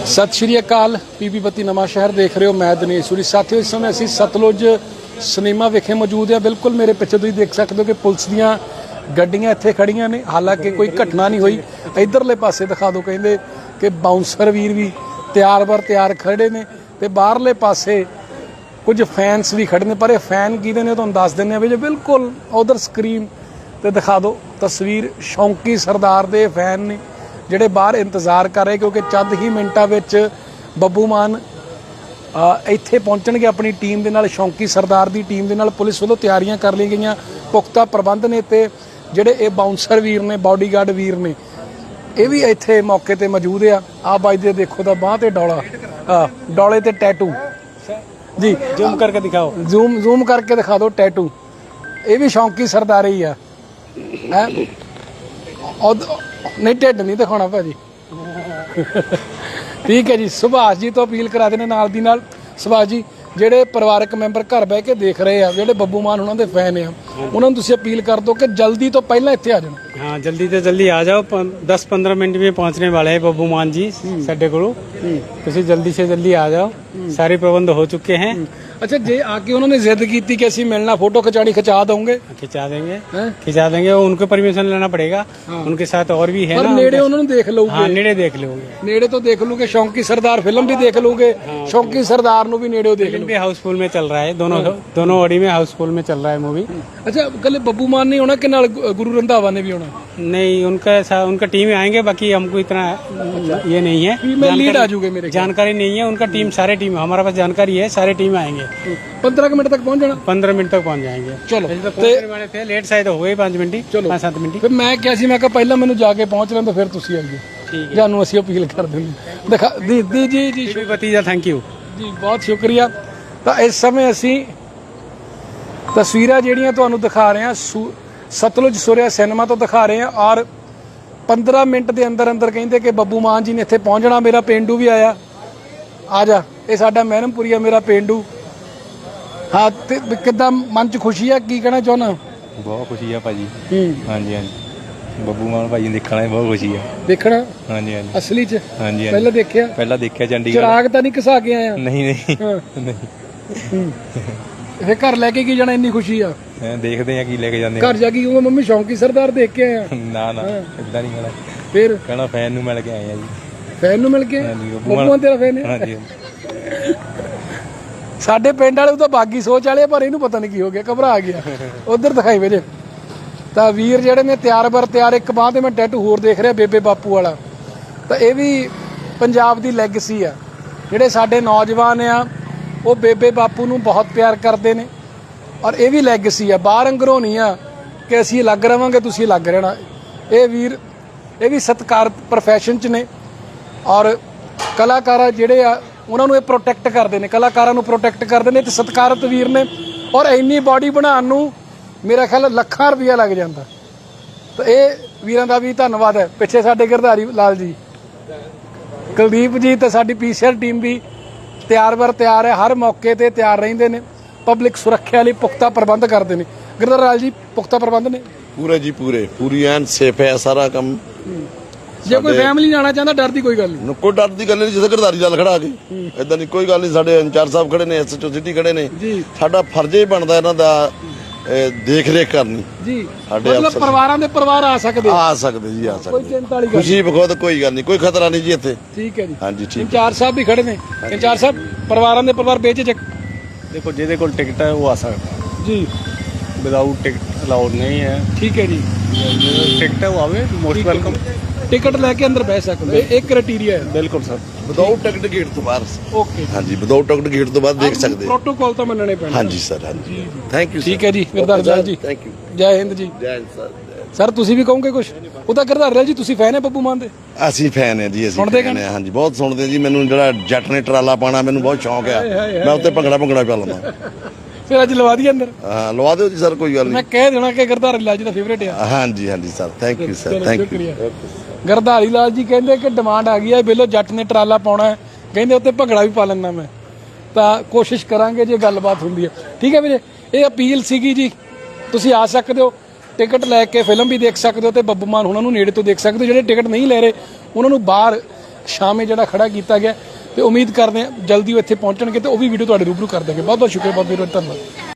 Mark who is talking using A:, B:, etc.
A: सत श्री अकाल पीपी बत्ती नवा शहर देख रहे हो। मैं दिनेश सूरी। साथियों इस समय असी सतलुज सिनेमा विखे मौजूद है। बिल्कुल मेरे पिछे तुसीं देख सकते हो कि पुलिस दीयां गड्डियां इत्थे खड़ियां ने। हालांकि कोई घटना नहीं हुई। इधरले पासे दिखा दो, कहंदे कि बाउंसर वीर भी तैयार बर तैयार खड़े ने ते बाहरले पासे कुछ फैनस भी खड़े ने। पर ये फैन किहदे ने तुहानूं दस दिंदे आ भी। जो बिल्कुल उधर स्क्रीन ते दिखा दो तस्वीर, शौंकी सरदार दे फैन ने ਜਿਹੜੇ ਬਾਹਰ ਇੰਤਜ਼ਾਰ ਕਰ ਰਹੇ, ਕਿਉਂਕਿ ਚੰਦ ਹੀ ਮਿੰਟਾਂ ਵਿੱਚ ਬੱਬੂ ਮਾਨ ਇੱਥੇ ਪਹੁੰਚਣਗੇ ਆਪਣੀ ਟੀਮ ਦੇ ਨਾਲ। ਸ਼ੌਂਕੀ ਸਰਦਾਰ ਦੀ ਟੀਮ ਦੇ ਨਾਲ ਪੁਲਿਸ ਵੱਲੋਂ ਤਿਆਰੀਆਂ ਕਰ ਲਈਆਂ ਗਈਆਂ, ਪੁਖਤਾ ਪ੍ਰਬੰਧ ਨੇ। ਤੇ ਜਿਹੜੇ ਇਹ ਬਾਉਂਸਰ ਵੀਰ ਨੇ, ਬਾਡੀਗਾਰਡ ਵੀਰ ਨੇ, ਇਹ ਵੀ ਇੱਥੇ ਮੌਕੇ ਤੇ ਮੌਜੂਦ ਆ। ਆਹ ਬਾਈ ਦੇ ਦੇਖੋ ਤਾਂ ਬਾਂਹ ਤੇ ਡੌਲਾ, ਡੌਲੇ ਤੇ ਟੈਟੂ ਜੀ। ਜ਼ੂਮ ਕਰਕੇ ਦਿਖਾਓ, ਜ਼ੂਮ ਕਰਕੇ ਦਿਖਾ ਦਿਓ ਟੈਟੂ। ਇਹ ਵੀ ਸ਼ੌਂਕੀ ਸਰਦਾਰ ਹੀ ਆ। ਹੈ नहीं ढिड नहीं दिखाना भाजी। ठीक है जी। सुभाष जी तो अपील करा देने नाल दी नाल। सुभाष जी ਜਿਹੜੇ ਪਰਿਵਾਰਕ ਮੈਂਬਰ ਘਰ ਬਹਿ ਕੇ ਦੇਖ ਰਹੇ ਆ, ਜਿਹੜੇ ਬੱਬੂ ਮਾਨ ਉਹਨਾਂ ਦੇ ਫੈਨ ਆ, ਉਹਨਾਂ ਨੂੰ ਤੁਸੀਂ ਅਪੀਲ ਕਰ ਦਿਓ ਕਿ ਜਲਦੀ ਤੋਂ ਪਹਿਲਾਂ ਇੱਥੇ ਆ ਜਾਣ।
B: हाँ जल्दी तो जल्दी आ जाओ। 10-15 मिनट में पहुंचने वाले हैं बब्बू मान जी साडे कोल। तुसीं जल्दी से जल्दी आ जाओ। सारे प्रबंध हो चुके हैं।
A: अच्छा जे आके उन्होंने जिद की कि ਅਸੀਂ मिलना, फोटो खिंचानी, खिंचा दोगे?
B: खिंचा देंगे। उनको परमिशन लेना पड़ेगा। उनके साथ और भी है
A: ना। नेड़े उन्होंने देख लोगे।
B: हाँ नेड़े देख लोगे।
A: नेड़े तो देख लोगे। शौंकी सरदार फिल्म भी देख लोगे। शौंकी सरदार नु भी नेड़े देख लोगे।
B: भी हाउसफुल में चल रहा है। दोनों ऑडी में हाउसफुल में चल रहा है मूवी।
A: अच्छा कल बब्बू मान नहीं होना कि नाल गुरु रंधावा ने भी होना?
B: नहीं, उनका टीम आएंगे। बाकी हमको इतना ये नहीं है,
A: लीड आ जाओगे मेरे
B: जानकारी नहीं है। उनका टीम, सारे टीम, हमारे पास जानकारी है, सारे टीम आएंगे।
A: 15 मिनट तक पहुंच जाना। 15
B: मिनट तक पहुंच जाएंगे।
A: चलो
B: वाले थे, लेट शायद हो गए 5 मिनट,
A: चलो
B: 5-7 मिनट।
A: फिर मैं क्या सी, मैं कहा पहला मैनू जाके पहुंच लें तो फिर तुसी आइए। ठीक है, जानू असीं अपील कर देंगे। दिखा दी जी
B: भतीजा, थैंक यू
A: जी, बहुत शुक्रिया। तो इस समय असीं तस्वीरां ਜਿਹੜੀਆਂ ਤੁਹਾਨੂੰ ਦਿਖਾ ਰਹੇ ਹਾਂ ਸਤਲੁਜ ਸੁਰਿਆ ਸਿਨੇਮਾ ਤੋਂ ਦਿਖਾ ਰਹੇ ਹਾਂ। ਔਰ 15 ਮਿੰਟ ਦੇ ਅੰਦਰ ਅੰਦਰ ਕਹਿੰਦੇ ਕਿ ਬੱਬੂ ਮਾਨ ਜੀ ਨੇ ਇੱਥੇ ਪਹੁੰਚਣਾ। ਮੇਰਾ ਪੇਂਡੂ ਵੀ ਆਇਆ। ਆ ਜਾ, ਇਹ ਸਾਡਾ ਮਹਿਰਮਪੁਰੀਆ, ਮੇਰਾ ਪੇਂਡੂ। ਹਾਂ ਤੇ ਕਿੱਦਾਂ ਮਨ 'ਚ ਖੁਸ਼ੀ ਆ? ਕੀ ਕਹਿਣਾ ਚਾਹੁੰਦਾ?
C: ਬਹੁਤ ਖੁਸ਼ੀ ਆ ਭਾਜੀ। ਹਾਂਜੀ ਬੱਬੂ ਮਾਨ ਭਾਜੀ ਦੇਖਣਾ ਬਹੁਤ ਖੁਸ਼ੀ ਆ।
A: ਦੇਖਣਾ?
C: ਹਾਂਜੀ
A: ਅਸਲੀ 'ਚ?
C: ਹਾਂਜੀ
A: ਪਹਿਲਾਂ ਦੇਖਿਆ
C: ਚੰਡੀਗੜ੍ਹ।
A: ਚਿਰਾਗ ਤਾਂ ਨਹੀਂ ਘਸਾ ਕੇ ਆਇਆ?
C: ਨਹੀਂ
A: ਫੇਰ ਘਰ ਲੈ ਕੇ ਕੀ ਜਾਣਾ? ਇੰਨੀ ਖੁਸ਼ੀ ਆ।
C: ਦੇਖਦੇ ਆ ਕੀ ਲੈ ਕੇ ਜਾਂਦੇ।
A: ਘਰ ਜਾ ਕੇ ਕਹੂੰਗਾ ਮੰਮੀ ਸ਼ੌਂਕੀ ਸਰਦਾਰ ਦੇਖ ਕੇ ਆਇਆ?
C: ਨਾ ਇਦਾਂ ਨਹੀਂ ਕਹਿਣਾ।
A: ਫਿਰ
C: ਕਹਿਣਾ ਫੈਨ ਨੂੰ ਮਿਲ ਕੇ ਆਏ ਆ ਜੀ।
A: ਫੈਨ ਨੂੰ ਮਿਲ ਕੇ? ਬੱਬੂ ਮਾਨ ਤੇਰਾ ਫੈਨ ਹੈ?
C: ਹਾਂਜੀ।
A: ਸਾਡੇ ਪਿੰਡ ਵਾਲੇ ਤਾਂ ਬਾਗੀ ਸੋਚ ਵਾਲੇ, ਪਰ ਇਹਨੂੰ ਪਤਾ ਨਹੀਂ ਕੀ ਹੋ ਗਿਆ, ਘਬਰਾ ਗਿਆ। ਉਧਰ ਦਿਖਾਈ ਵੇਲੇ ਤਾਂ ਵੀਰ ਜਿਹੜੇ ਨੇ ਤਿਆਰ ਬਰ ਤਿਆਰ। ਇੱਕ ਬਾਂਹ ਤੇ ਮੈਂ ਟੈਟੂ ਹੋਰ ਦੇਖ ਰਿਹਾ, ਬੇਬੇ ਬਾਪੂ ਵਾਲਾ। ਤਾਂ ਇਹ ਵੀ ਪੰਜਾਬ ਦੀ ਲੈਗੇਸੀ ਆ। ਜਿਹੜੇ ਸਾਡੇ ਨੌਜਵਾਨ ਆ ਉਹ ਬੇਬੇ ਬਾਪੂ ਨੂੰ ਬਹੁਤ ਪਿਆਰ ਕਰਦੇ ਨੇ। ਔਰ ਇਹ ਵੀ ਲੈਗੇਸੀ ਆ, ਬਾਹਰ ਅੰਗਰੋਂ ਨਹੀਂ ਆ ਕਿ ਅਸੀਂ ਅਲੱਗ ਰਵਾਂਗੇ ਤੁਸੀਂ ਅਲੱਗ ਰਹਿਣਾ। ਇਹ ਵੀਰ ਇਹ ਵੀ ਸਤਿਕਾਰ ਪ੍ਰੋਫੈਸ਼ਨ 'ਚ ਨੇ। ਔਰ ਕਲਾਕਾਰ ਜਿਹੜੇ ਆ ਉਹਨਾਂ ਨੂੰ ਇਹ ਪ੍ਰੋਟੈਕਟ ਕਰਦੇ ਨੇ, ਕਲਾਕਾਰਾਂ ਨੂੰ ਪ੍ਰੋਟੈਕਟ ਕਰਦੇ ਨੇ। ਤੇ ਸਤਿਕਾਰਤ ਵੀਰ ਨੇ। ਔਰ ਇੰਨੀ ਬਾਡੀ ਬਣਾਉਣ ਨੂੰ ਮੇਰਾ ਖਿਆਲ ਲੱਖਾਂ ਰੁਪਈਆ ਲੱਗ ਜਾਂਦਾ। ਤਾਂ ਇਹ ਵੀਰਾਂ ਦਾ ਵੀ ਧੰਨਵਾਦ ਹੈ। ਪਿੱਛੇ ਸਾਡੇ ਗਿਰਧਾਰੀ ਲਾਲ ਜੀ, ਕੁਲਦੀਪ ਜੀ ਤੇ ਸਾਡੀ ਪੀਸੀਆਰ ਟੀਮ ਵੀ ਤਿਆਰ ਬਰ ਤਿਆਰ ਹੈ। ਹਰ ਮੌਕੇ ਤੇ ਤਿਆਰ ਰਹਿੰਦੇ ਨੇ। ਪਬਲਿਕ ਸੁਰੱਖਿਆ ਲਈ ਪੁਖਤਾ ਪ੍ਰਬੰਧ ਕਰਦੇ ਨੇ। ਗਿਰਧਾਰੀ ਲਾਲ ਜੀ ਪੁਖਤਾ ਪ੍ਰਬੰਧ ਨੇ
D: ਪੂਰੇ ਜੀ, ਪੂਰੀ ਐਨ ਸੇਫ ਹੈ ਸਾਰਾ ਕੰਮ।
A: ਜੇ ਕੋਈ ਫੈਮਿਲੀ ਜਾਣਾ ਚਾਹੁੰਦਾ, ਡਰ ਦੀ ਕੋਈ ਗੱਲ ਨਹੀਂ।
D: ਕੋਈ ਡਰ ਦੀ ਗੱਲ ਨਹੀਂ। ਜਿੱਥੇ ਗਿਰਧਾਰੀ ਲਾਲ ਖੜਾ ਕੇ ਇਦਾਂ ਦੀ ਕੋਈ ਗੱਲ ਨਹੀਂ। ਸਾਡੇ ਇੰਚਾਰਜ ਸਾਹਿਬ ਖੜੇ ਨੇ, ਐਸਐਚਓ ਸਿਟੀ ਖੜੇ ਨੇ। ਸਾਡਾ ਫਰਜ਼ ਹੀ ਬਣਦਾ ਇਹਨਾਂ ਦਾ ਦੇਖ ਰੇਖ ਕਰਨੀ
A: ਜੀ।
D: ਸਾਡੇ
A: ਮਤਲਬ ਪਰਿਵਾਰਾਂ ਦੇ ਪਰਿਵਾਰ ਆ ਸਕਦੇ
D: ਜੀ, ਆ ਸਕਦੇ।
A: ਕੋਈ ਚਿੰਤਾ ਵਾਲੀ ਗੱਲ
D: ਖੁਸ਼ੀ ਬਖੁਦ ਕੋਈ ਗੱਲ ਨਹੀਂ, ਕੋਈ ਖਤਰਾ ਨਹੀਂ ਜੀ ਇੱਥੇ।
A: ਠੀਕ ਹੈ ਜੀ।
D: ਹਾਂਜੀ ਠੀਕ।
A: ਇੰਚਾਰਜ ਸਾਹਿਬ ਵੀ ਖੜੇ ਨੇ। ਇੰਚਾਰਜ ਸਾਹਿਬ ਪਰਿਵਾਰਾਂ ਦੇ ਪਰਿਵਾਰ ਬੇਝਿਜਕ
B: देखो ਜਿਹਦੇ ਕੋਲ ਟਿਕਟ ਹੈ ਉਹ ਆ ਸਕਦਾ
A: ਜੀ।
B: ਵਿਦਆਊਟ ਟਿਕਟ ਅਲਾਉਡ ਨਹੀਂ ਹੈ।
A: ਠੀਕ ਹੈ ਜੀ।
B: ਟਿਕਟ ਹੈ ਉਹ ਆਵੇ, ਮੋਸਟ ਵੈਲਕਮ।
A: ਟਿਕਟ ਲੈ ਕੇ ਅੰਦਰ ਬਹਿ ਸਕਦੇ, ਇਹ ਕ੍ਰਾਈਟੇਰੀਆ ਹੈ।
B: ਬਿਲਕੁਲ ਸਰ।
D: ਵਿਦਆਊਟ ਟਿਕਟ ਗੇਟ ਤੋਂ ਬਾਹਰ।
A: ਓਕੇ
D: ਹਾਂਜੀ, ਵਿਦਆਊਟ ਟਿਕਟ ਗੇਟ ਤੋਂ ਬਾਅਦ ਦੇਖ ਸਕਦੇ।
A: ਪ੍ਰੋਟੋਕਾਲ ਤਾਂ ਮੰਨਣੇ ਪੈਣੇ।
D: ਹਾਂਜੀ ਸਰ। ਹਾਂਜੀ ਥੈਂਕ ਯੂ।
A: ਠੀਕ ਹੈ ਜੀ ਗਿਰਧਾਰੀ ਲਾਲ ਜੀ,
D: ਥੈਂਕ ਯੂ।
A: ਜੈ ਹਿੰਦ ਜੀ।
D: ਜੈ ਹਿੰਦ ਸਰ।
A: ਸਰ ਤੁਸੀਂ ਵੀ ਕਹੋਗੇ ਕੁਝ? ਉਹਦਾ ਗਿਰਧਾਰੀ ਲਾਲ ਜੀ ਤੁਸੀਂ ਫੈਨ ਹੈ ਬੱਬੂ ਮਾਨ ਦੇ?
D: ਅਸੀਂ ਫੈਨ ਹੈ ਜੀ। ਅਸੀਂ
A: ਸੁਣਦੇ
D: ਫੈਨ ਹੈ। ਹਾਂਜੀ ਬਹੁਤ ਸੁਣਦੇ ਜੀ। ਮੈਨੂੰ ਜਿਹੜਾ ਜੱਟ ਨੇ ਟਰਾਲਾ ਪਾਣਾ ਮੈਨੂੰ ਬਹੁਤ ਸ਼ੌਂਕ ਆ। ਮੈਂ ਉੱਤੇ ਭੰਗੜਾ ਪਾ ਲੈਂਦਾ।
A: ਫਿਰ ਅੱਜ ਲਵਾ ਦਈਏ ਅੰਦਰ?
D: ਹਾਂ ਲਵਾ ਦਿਓ ਜੀ ਸਰ, ਕੋਈ ਗੱਲ
A: ਮੈਂ
D: ਨਹੀਂ।
A: ਕਹਿ ਦੇਣਾ ਕਿ ਗਿਰਧਾਰੀ ਲਾਲ ਜੀ ਦਾ ਫੇਵਰੇਟ ਆ।
D: ਹਾਂਜੀ sir, thank you sir, thank you.
A: Girdhari Lal ji ਕਹਿੰਦੇ ਕਿ ਡਿਮਾਂਡ ਆ ਗਈ ਹੈ, ਬਿੱਲੋ ਜੱਟ ਨੇ ਟਰਾਲਾ ਪਾਉਣਾ, ਕਹਿੰਦੇ ਉੱਤੇ ਭੰਗੜਾ ਵੀ ਪਾ ਲੈਣਾ ਮੈਂ। ਤਾਂ ਕੋਸ਼ਿਸ਼ ਕਰਾਂਗੇ ਜੇ ਗੱਲਬਾਤ ਹੁੰਦੀ ਹੈ। ਠੀਕ ਹੈ ਵੀਰੇ, ਇਹ ਅਪੀਲ ਸੀਗੀ ਜੀ। ਤੁਸੀਂ ਆ ਸਕਦੇ ਹੋ, ਟਿਕਟ ਲੈ ਕੇ ਫਿਲਮ ਵੀ ਦੇਖ ਸਕਦੇ ਹੋ ਤੇ ਬੱਬੂ ਮਾਨ ਉਹਨਾਂ ਨੂੰ ਨੇੜੇ ਤੋਂ ਦੇਖ ਸਕਦੇ ਹੋ। ਜਿਹੜੇ ਟਿਕਟ ਨਹੀਂ ਲੈ ਰਹੇ ਉਹਨਾਂ ਨੂੰ ਬਾਹਰ ਸ਼ਾਮੇ ਜਿਹੜਾ ਖੜਾ ਕੀਤਾ ਗਿਆ ਤੇ ਉਮੀਦ ਕਰਦੇ ਹਾਂ ਜਲਦੀ ਉਹ ਇੱਥੇ ਪਹੁੰਚਣਗੇ ਤੇ ਉਹ ਵੀ ਵੀਡੀਓ ਤੁਹਾਡੇ ਰੂਬਰੂ ਕਰ ਦਾਂਗੇ। ਬਹੁਤ ਬਹੁਤ ਸ਼ੁਕਰੀਆ, ਬਹੁਤ ਬਹੁਤ ਧੰਨਵਾਦ।